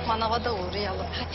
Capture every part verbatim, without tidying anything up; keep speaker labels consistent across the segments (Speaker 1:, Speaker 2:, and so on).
Speaker 1: manava da uğrayalım. Hadi.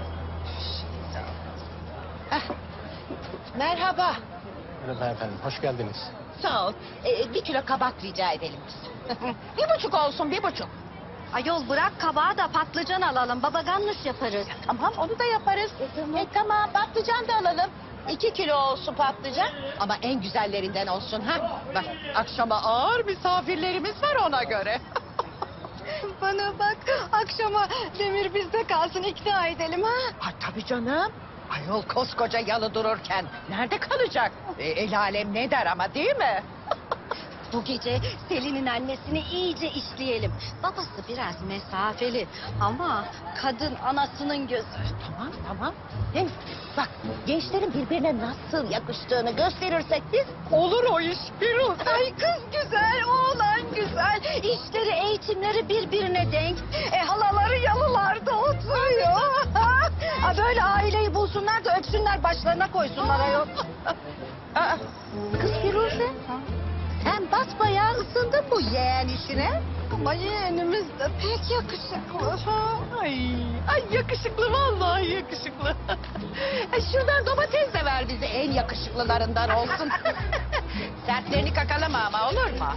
Speaker 2: Heh. Merhaba.
Speaker 3: Merhaba efendim, hoş geldiniz.
Speaker 2: Sağ ol. Ee, bir kilo kabak rica edelim biz. Bir buçuk olsun, bir buçuk.
Speaker 1: Ayol bırak kabağı da patlıcan alalım. Baba gannuş yaparız.
Speaker 2: Tamam, onu da yaparız. E, tamam, patlıcan da alalım. İki kilo olsun patlıcan. Ama en güzellerinden olsun ha. Bak, akşama ağır misafirlerimiz var ona göre.
Speaker 1: Bana bak akşama Demir bizde kalsın ikna edelim ha.
Speaker 2: Ha tabii canım. Ayol koskoca yalı dururken nerede kalacak? E, el alem ne der ama değil mi?
Speaker 1: Bu gece Selin'in annesini iyice işleyelim. Babası biraz mesafeli ama kadın anasının gözü.
Speaker 2: Tamam tamam. Hem bak gençlerin birbirine nasıl yakıştığını gösterirsek biz olur o iş. Firuze.
Speaker 1: Ay kız güzel, oğlan güzel. İşleri, eğitimleri birbirine denk. E halaları yalılarda oturuyor. Ha, böyle aileyi bulsunlar da öpsünler başlarına koysunlar ayol.
Speaker 2: Aa, kız Firuze. Sen basbayağı ısındın bu yeğen işine.
Speaker 1: Ama yeğenimiz de pek yakışıklı.
Speaker 2: Ay, ay yakışıklı vallahi yakışıklı. E, şuradan domates de ver bize en yakışıklılarından olsun. Sertlerini kakalama ama olur mu?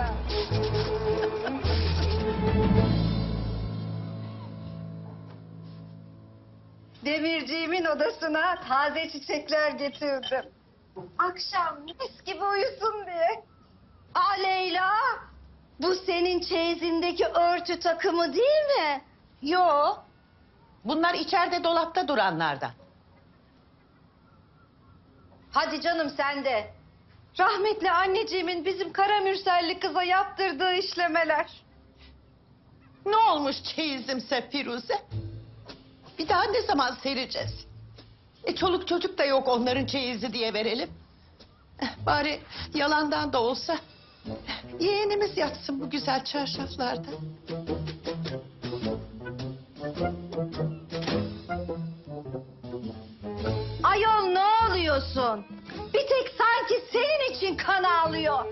Speaker 1: Demirciğimin odasına taze çiçekler getirdim. Akşam mis gibi uyusun diye. Aa Leyla, bu senin çeyizindeki örtü takımı değil mi?
Speaker 2: Yo. Bunlar içeride dolapta duranlardan.
Speaker 1: Hadi canım sen de. Rahmetli anneciğimin bizim Karamürselli kıza yaptırdığı işlemeler.
Speaker 2: Ne olmuş çeyizimse Firuze? Bir daha ne zaman sereceğiz? E çoluk çocuk da yok onların çeyizi diye verelim. Eh, bari yalandan da olsa yeğenimiz yatsın bu güzel çarşaflarda.
Speaker 1: Ayol ne oluyorsun? Bir tek sanki senin için kan ağlıyor.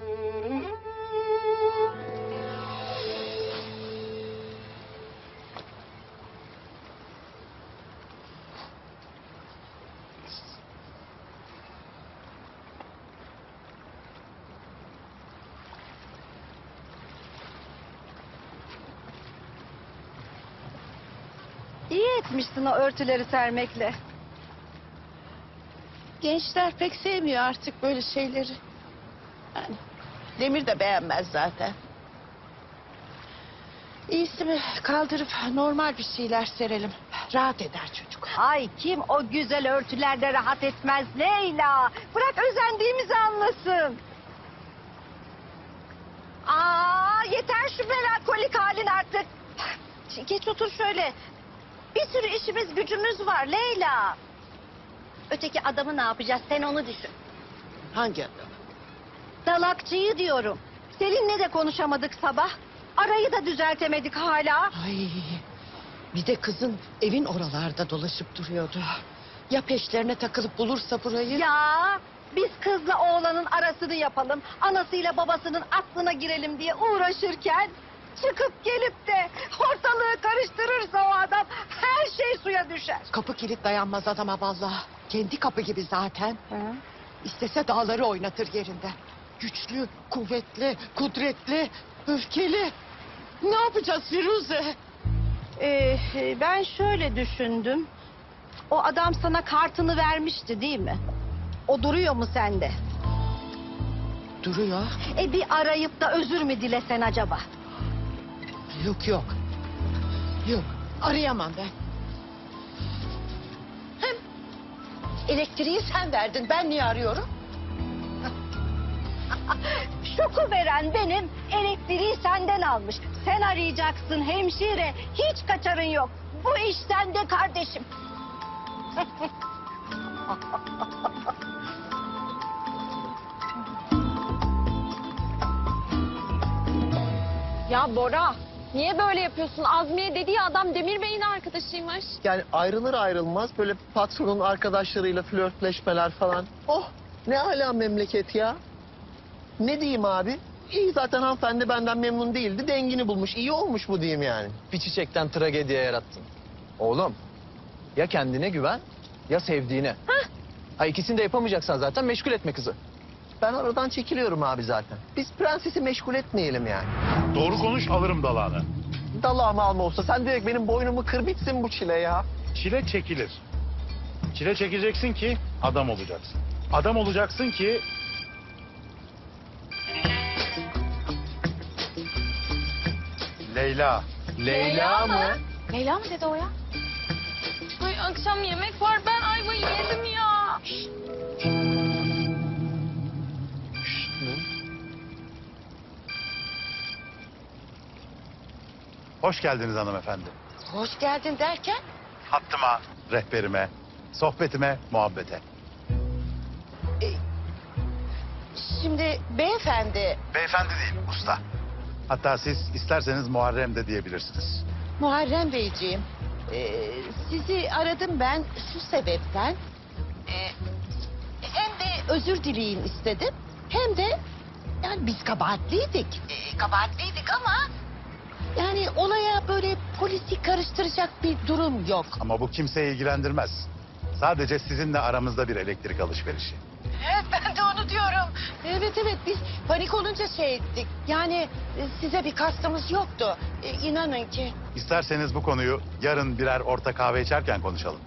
Speaker 1: İyi etmişsin o örtüleri sermekle.
Speaker 2: Gençler pek sevmiyor artık böyle şeyleri. Yani Demir de beğenmez zaten. İyisi mi kaldırıp normal bir şeyler serelim. Rahat eder çocuk.
Speaker 1: Ay kim o güzel örtülerde rahat etmez Leyla. Bırak özendiğimizi anlasın. Aa yeter şu melankolik halin artık. Geç otur şöyle. Bir sürü işimiz gücümüz var Leyla. Öteki adamı ne yapacağız sen onu düşün.
Speaker 2: Hangi adam?
Speaker 1: Dalakçıyı diyorum. Selin'le de konuşamadık sabah. Arayı da düzeltemedik hala.
Speaker 2: Ay, bir de kızın evin oralarda dolaşıp duruyordu. Ya peşlerine takılıp bulursa burayı?
Speaker 1: Ya biz kızla oğlanın arasını yapalım. Anasıyla babasının aklına girelim diye uğraşırken... çıkıp gelip de ortalığı karıştırırsa o adam her şey suya düşer.
Speaker 2: Kapı kilit dayanmaz adama vallahi. Kendi kapı gibi zaten. İstese dağları oynatır yerinden. Güçlü, kuvvetli, kudretli, öfkeli. Ne yapacağız Firuze?
Speaker 1: Ee, ben şöyle düşündüm. O adam sana kartını vermişti değil mi? O duruyor mu sende?
Speaker 2: Duruyor.
Speaker 1: E bir arayıp da özür mü dilesen acaba?
Speaker 2: Yok yok. Yok arayamam ben. Hem elektriği sen verdin. Ben niye arıyorum?
Speaker 1: Şoku veren benim, elektriği senden almış. Sen arayacaksın hemşire, hiç kaçarın yok. Bu iş sende kardeşim.
Speaker 4: Ya Bora, niye böyle yapıyorsun? Azmiye dediği adam Demir Bey'in arkadaşıymış.
Speaker 5: Yani ayrılır ayrılmaz böyle patronun arkadaşlarıyla flörtleşmeler falan. Oh ne ala memleket ya. Ne diyeyim abi? İyi zaten hanımefendi benden memnun değildi. Dengini bulmuş. İyi olmuş bu diyeyim yani.
Speaker 3: Bir çiçekten tragediye yarattın. Oğlum ya kendine güven ya sevdiğine. Ha ikisini de yapamayacaksan zaten meşgul etme kızı.
Speaker 5: Ben aradan çekiliyorum abi zaten. Biz prensesi meşgul etmeyelim yani.
Speaker 6: Doğru konuş alırım dalağını.
Speaker 5: Dalağımı alma olsa sen direkt benim boynumu kır bitsin bu çile ya.
Speaker 6: Çile çekilir. Çile çekeceksin ki adam olacaksın. Adam olacaksın ki... Leyla.
Speaker 3: Leyla mı?
Speaker 4: Leyla mı dedi o ya? Ay akşam yemek var ben ayvayı yedim ya.
Speaker 6: Hoş geldiniz hanımefendi.
Speaker 2: Hoş geldin derken?
Speaker 6: Hattıma, rehberime, sohbetime, muhabbete.
Speaker 2: Şimdi beyefendi,
Speaker 6: Beyefendi değil, usta. Hatta siz isterseniz Muharrem de diyebilirsiniz.
Speaker 2: Muharrem Beyciğim, e, sizi aradım ben şu sebepten. E, hem de özür dileyin istedim, hem de yani biz kabahatliydik. E, kabahatliydik ama yani olaya böyle polisi karıştıracak bir durum yok.
Speaker 6: Ama bu kimseyi ilgilendirmez. Sadece sizinle aramızda bir elektrik alışverişi.
Speaker 2: Evet ben de onu diyorum. Evet evet biz panik olunca şey ettik. Yani e, size bir kastımız yoktu. E, inanın ki.
Speaker 6: İsterseniz bu konuyu yarın birer orta kahve içerken konuşalım.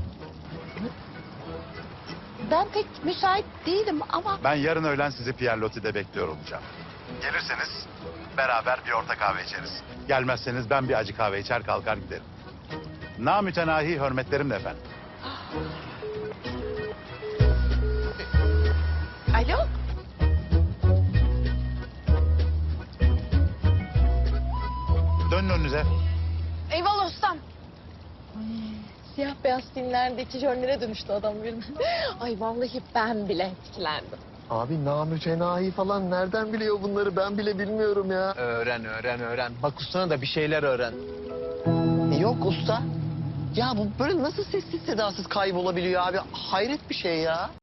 Speaker 2: Ben pek müsait değilim ama...
Speaker 6: Ben yarın öğlen sizi Pierre Loti'de bekliyor olacağım. Gelirseniz beraber bir orta kahve içeriz. Gelmezseniz ben bir acı kahve içer kalkar giderim. Namütenahi hürmetlerimle efendim.
Speaker 2: Alo?
Speaker 6: Dönün önünüze.
Speaker 4: Eyvallah ustam.
Speaker 7: Siyah beyaz filmlerdeki jönlere dönüştü adam birden. Ay vallahi ben bile etkilendim.
Speaker 5: Abi namütenahi falan nereden biliyor bunları ben bile bilmiyorum ya.
Speaker 3: Öğren öğren öğren. Bak ustana da bir şeyler öğren.
Speaker 5: Yok usta. Ya bu böyle nasıl sessiz sedasız kaybolabiliyor abi? Hayret bir şey ya.